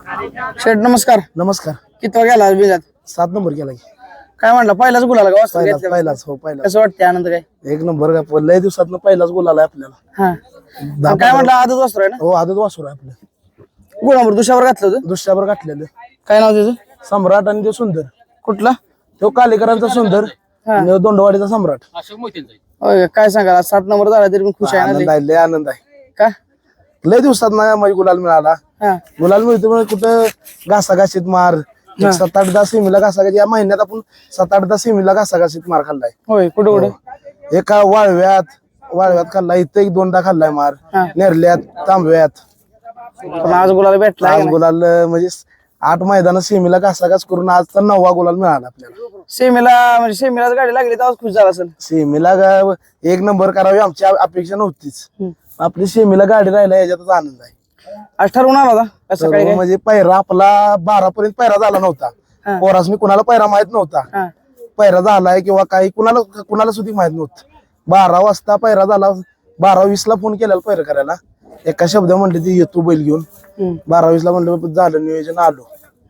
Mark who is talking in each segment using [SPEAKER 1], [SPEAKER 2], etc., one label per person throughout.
[SPEAKER 1] शेठ नमस्कार.
[SPEAKER 2] नमस्कार.
[SPEAKER 1] किती गेला आज बिजात?
[SPEAKER 2] 7 नंबर केला की.
[SPEAKER 1] काय म्हणला पहिलाच गुलाला का वाजता
[SPEAKER 2] पहिलाच
[SPEAKER 1] घेतला?
[SPEAKER 2] पहिलाच हो पहिलाच
[SPEAKER 1] कसं वाटतंय आनंद काय?
[SPEAKER 2] एक नंबर का लय दिवसात पहिलाच गोल आलाय आपल्याला.
[SPEAKER 1] हा काय म्हणला आजच वाजता आहे ना?
[SPEAKER 2] हो आदत वासुर आहे आपलं.
[SPEAKER 1] गुणावर दुशावर घातलं होतं.
[SPEAKER 2] दुसऱ्यावर गाठलेलं
[SPEAKER 1] काय नाव त्याचं?
[SPEAKER 2] सम्राट आणि तो सुंदर.
[SPEAKER 1] कुठला?
[SPEAKER 2] तो कालेकरांचा सुंदर आणि दोंडवाडीचा सम्राट.
[SPEAKER 1] होय काय सांगा 7 नंबर झाला तरी पण खुश आहे ना
[SPEAKER 2] आनंद
[SPEAKER 1] लय?
[SPEAKER 2] आहे, लय आनंद आहे.
[SPEAKER 1] का?
[SPEAKER 2] लय दिवसात ना माझी गुलाल मिळाला.
[SPEAKER 1] हा
[SPEAKER 2] गुलाल मिळतो म्हणजे कुठं घासाघाशीत मार 7-8 सेमीला घासाघाशी या महिन्यात आपण 7-8 सेमीला घासाघाशीत मार खाल्लाय.
[SPEAKER 1] होय कुठं कुठं?
[SPEAKER 2] एका वाळव्यात खाल्लाय, इथं 1-2दा खाल्लाय मार.
[SPEAKER 1] हा.
[SPEAKER 2] नेरल्यात, तांबव्यात.
[SPEAKER 1] पण आज गुलाला भेटला
[SPEAKER 2] आज गुलाल म्हणजे 8 मैदान सेमीला घासाघास करून आज तर 9वा गुलाल मिळाला आपल्याला.
[SPEAKER 1] सेमीला म्हणजे सेमीलाच गाडी लागली तर खुश झाला असेल.
[SPEAKER 2] सेमीला एक नंबर करावी आमची अपेक्षा नव्हतीच.
[SPEAKER 1] हम्म.
[SPEAKER 2] आपली सेमीला गाडी राहिला याच्यातच आनंद आहे.
[SPEAKER 1] आज ठरवून आला होता कसं काय?
[SPEAKER 2] म्हणजे पैरा आपला 12 पर्यंत पैरा झाला नव्हता.
[SPEAKER 1] हा.
[SPEAKER 2] पोरासनी कुणाला पैरा माहित नव्हता.
[SPEAKER 1] हा
[SPEAKER 2] पैरा झालाय किंवा काही कुणाला सुद्धा माहित नव्हतं. 12 वाजता पैरा झाला. 12:20 ला फोन केला पैरा करायला. एका शब्द म्हणले ती येतो बैल घेऊन.
[SPEAKER 1] हम्म.
[SPEAKER 2] 12:20 ला म्हणलं झालं नियोजन आलो.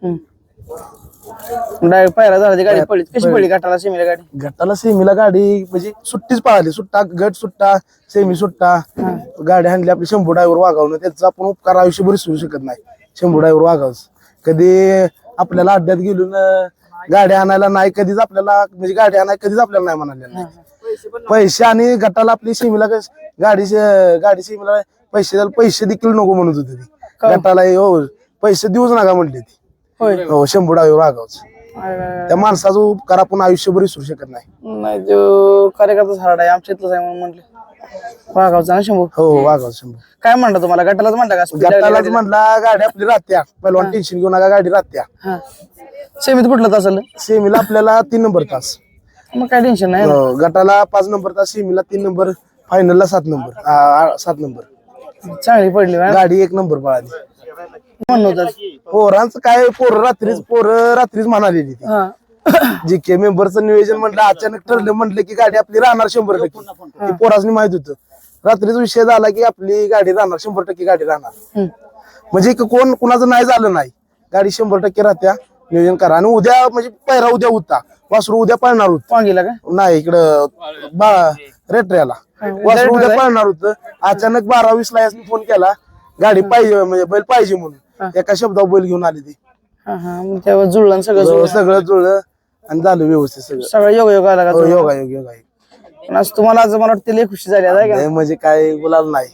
[SPEAKER 1] डायरेक्ट पहिला झाला ती गाडी पडली. कशी पडली गटाला सेमीला गाडी?
[SPEAKER 2] गटाला सेमीला गाडी म्हणजे सुट्टीच पळाली. सुट्टा गट सुट्टा सेमी सुट्टा गाडी हाणली आपली. शंभू ड्रायव्हर वागावणं त्याचा आपण उपकार आयुष्यभर विसरू शकत नाही. शंभू ड्रायव्हर वागावच कधी आपल्याला अड्ड्यात गेलून गाडी आणायला नाही कधीच आपल्याला म्हणजे गाडी आणायला कधीच आपल्याला नाही म्हणाले नाही. पैसे आणि गटाला आपली सेमीला गाडी सेमीला पैसे देखील नको म्हणत होते ती. गटाला हो पैसे देऊच नका म्हणले ती.
[SPEAKER 1] होय
[SPEAKER 2] हो शंभू ड्रायव्हर वागावच. त्या माणसाचा उपकार आपण आयुष्यभर विसरू शकत नाही.
[SPEAKER 1] नाही तो कार्यकर्ताच हार्ड आहे आमच्या इथलंच आहे म्हणून म्हटलं वागावचा ना शंभू.
[SPEAKER 2] हो वागाव शंभू.
[SPEAKER 1] काय म्हणलं तुम्हाला गटालाच म्हणलं का speed लागली
[SPEAKER 2] गटालाच
[SPEAKER 1] गाडीला?
[SPEAKER 2] म्हटला गाडी आपली राहत्या पहिलवान टेन्शन घेऊ नका गाडी राहत्या.
[SPEAKER 1] हा सेमीत कुठलं तास आलं?
[SPEAKER 2] सेमीला आपल्याला 3 नंबर तास.
[SPEAKER 1] मग काय टेन्शन नाही ना.
[SPEAKER 2] हो, गटाला 5 नंबर तास सेमीला 3 नंबर फायनलला 7 नंबर 7 नंबर.
[SPEAKER 1] चांगली पडली बा.
[SPEAKER 2] गाडी 1 नंबर पळाली.
[SPEAKER 1] म्हणून होतं.
[SPEAKER 2] पोरांचं काय पोरं रात्रीच म्हणालेली ती.
[SPEAKER 1] हा
[SPEAKER 2] जीके मेंबरचं नियोजन म्हटलं अचानक ठरलं म्हटलं की गाडी आपली राहणार 100%. ती पोरासनी माहित होतं. रात्रीच विषय झाला की आपली गाडी राहणार 100% गाडी राहणार.
[SPEAKER 1] हम्म.
[SPEAKER 2] म्हणजे कुणाचं नाही झालं नाही. गाडी 100% राहत्या. नियोजन करा आणि उद्या म्हणजे पहिरा उद्या होता. वासरू उद्या पळणार होत
[SPEAKER 1] वांगीला का?
[SPEAKER 2] नाही इकडं रेट्र्याला वासरू उद्या पळणार होतं. अचानक 12:20 ला यासनी फोन केला गाडी पाहिजे म्हणजे बैल पाहिजे म्हणून. एका शब्दावर बैल घेऊन आली ती.
[SPEAKER 1] हा हा मग तेव्हा जुळलं आणि सगळं जुळलं.
[SPEAKER 2] सगळं जुळलं आणि झालं व्यवस्थित सगळं.
[SPEAKER 1] सगळं योग आला का?
[SPEAKER 2] हो, योगायोग.
[SPEAKER 1] पण आज तुम्हाला आज मला वाटतं लय खुशी झाली आहे का?
[SPEAKER 2] नाही म्हणजे काय गुलाल नाही.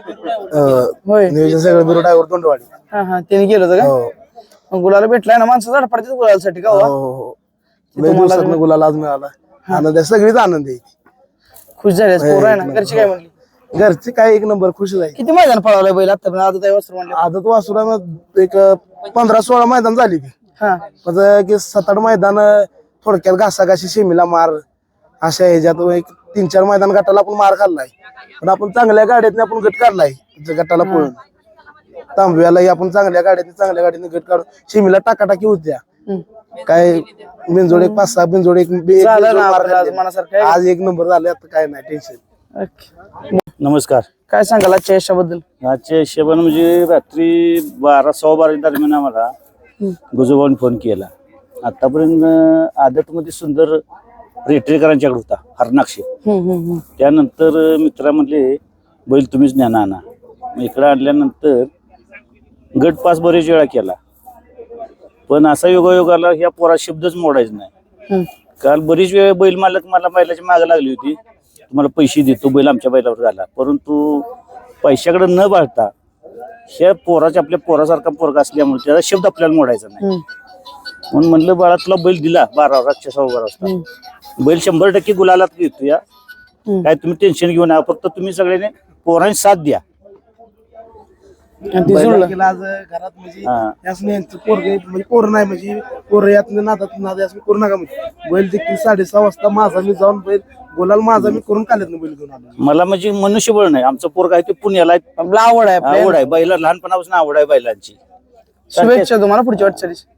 [SPEAKER 1] होय
[SPEAKER 2] नियोजन सगळं बिरो ड्रायव्हर दोंडवाडी.
[SPEAKER 1] हा हा त्यांनी केलं होतं का?
[SPEAKER 2] हो
[SPEAKER 1] मग गुलाला भेटलाय ना माणसं झाड पडतात गुलासाठी का?
[SPEAKER 2] हो हो. लय दिवसातनं गुलाल आज मिळाला. आनंद आहे सगळीच आनंद आहे.
[SPEAKER 1] खुश झाले पोरं आहे ना. घरची काय म्हणली?
[SPEAKER 2] घरचे काय 1 नंबर खुश आहे.
[SPEAKER 1] किती मैदान पळवलंय बैल आता पण आता वस्त्र म्हणलं.
[SPEAKER 2] आदत वासुरा एक 15-16 मैदान झाली ती.
[SPEAKER 1] हा
[SPEAKER 2] म्हणजे की 7-8 मैदान थोडक्यात घासाघाशी सेमीला मार अशा ह्याच्यात एक 3-4 मैदान गटाला आपण मार खाल्लाय. पण आपण चांगल्या गाड्यातने आपण गट काढलाय गटाला पळून. तांबव्यालाही आपण चांगल्या गाडीने गट काढून सेमीला टाकाटाकी होत्या. काय बिनजोड एक 5-6 बिनजोड एक
[SPEAKER 1] झालं ना आपलं आज मनासारखं आहे.
[SPEAKER 2] आज 1 नंबर झाले. आता काय नाही टेन्शन.
[SPEAKER 1] ओके.
[SPEAKER 3] नमस्कार.
[SPEAKER 1] काय सांगाल आजच्या यशाबद्दल?
[SPEAKER 3] आजच्या हिशोबाने म्हणजे रात्री 12-12 दरम्यान आम्हाला गुजोबाने फोन केला. आतापर्यंत आदतमध्ये सुंदर रेटरेकरांच्याकडे होता हरनाक्षी. त्यानंतर मित्रा म्हणले बैल तुम्हीच ज्ञान आणा. इकडं आणल्यानंतर गट पास बरेच वेळा केला. पण असा योगायोगाला ह्या पोरा शब्दच मोडायचा नाही. काल बरीच वेळ बैल मालक मला बैलाची मागे लागली होती. तुम्हाला पैसे देतो बैल आमच्या बैलावर झाला. परंतु पैशाकडे न बाळता ह्या पोराच्या आपल्या पोरासारखा पोरगा असल्यामुळे त्याचा शब्द आपल्याला मोडायचा नाही. म्हणून म्हणलं बाळा तुला बैल दिला 12 रातच्या 12:15 वाजता. बैल 100% गुलालात घेतो या. काय तुम्ही टेन्शन घेऊ नका. फक्त तुम्ही सगळ्यांनी पोरांनी साथ द्या.
[SPEAKER 2] आज घरात म्हणजे पोरं नाही म्हणजे पोरं यातनं नादात यासनी करू नका म्हणजे बैल देखील 6:30 वाजता माझा मी जाऊन बैल गोलाल माझा मी करून काढत बैल घेऊन आलो.
[SPEAKER 3] मला म्हणजे मनुष्यबळ नाही. आमचं पोरग आहे ते पुण्याला आहे.
[SPEAKER 1] आवड आहे
[SPEAKER 3] आवड आहे बैला लहानपणापासून आवड आहे बैलांची.
[SPEAKER 1] शुभेच्छा तुम्हाला पुढच्या वाटचालीस.